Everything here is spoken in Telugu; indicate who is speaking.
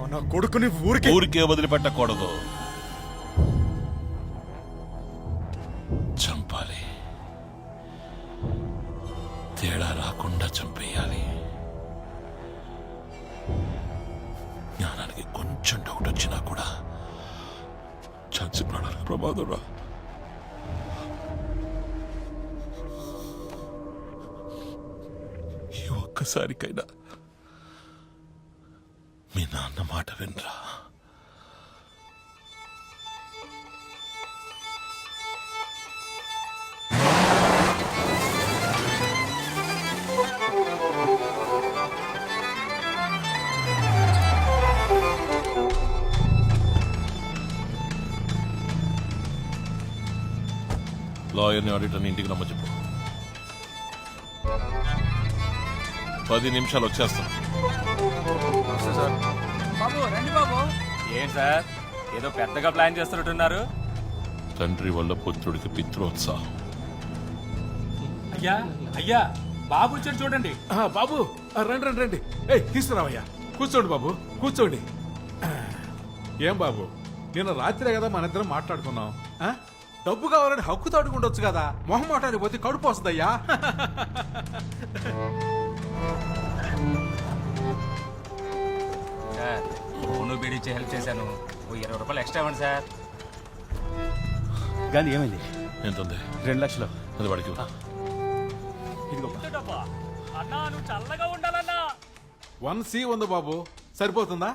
Speaker 1: నా కొడుకుని
Speaker 2: ఊరికే వదిలిపెట్టకూడదు, చంపాలి. తేడా రాకుండా చంపేయాలి. జ్ఞానానికి కొంచెం డౌట్ వచ్చినా కూడా చచ్చి ప్రాణాలకు ప్రమాదం రా. ఈ ఒక్కసారికైనా మీ నాన్న మాట వినరా. లాయర్ని ఆడిటర్ని ఇంటికి రమ్మ చెప్పు. 10 నిమిషాలు వచ్చేస్తాను.
Speaker 3: బాబు రండి బాబు. ఏంటి సార్ ఏదో పెద్దగా ప్లాన్ చేస్తున్నట్టున్నారు?
Speaker 2: తండ్రి వల్ల పుత్రుడికి పిత్రోత్సాహం.
Speaker 4: అయ్యా అయ్యా బాబు వచ్చాడు చూడండి.
Speaker 5: బాబు రండి రండి రండి. తీసుకురావయ్యా. కూర్చోండి బాబు, కూర్చోండి. ఏం బాబు, నిన్న రాత్రే కదా మన ఇద్దరం మాట్లాడుకున్నాం. డబ్బు కావాలని హక్కుతో అడుగుండొచ్చు కదా. మొహమాటానికి పోతే కడుపు వస్తుందయ్యా.
Speaker 3: సార్ ఫోను బీడిచ్చి హెల్ప్ చేశాను. ఓ 20 రూపాయలు ఎక్స్ట్రా ఇవ్వండి సార్.
Speaker 4: గాంధీ ఏమైంది?
Speaker 2: ఎంతుంది?
Speaker 4: 2 లక్షలు.
Speaker 2: అది వాడికి
Speaker 3: అన్నా నువ్వు చల్లగా ఉండాలన్నా.
Speaker 5: 1C ఉంది బాబు, సరిపోతుందా?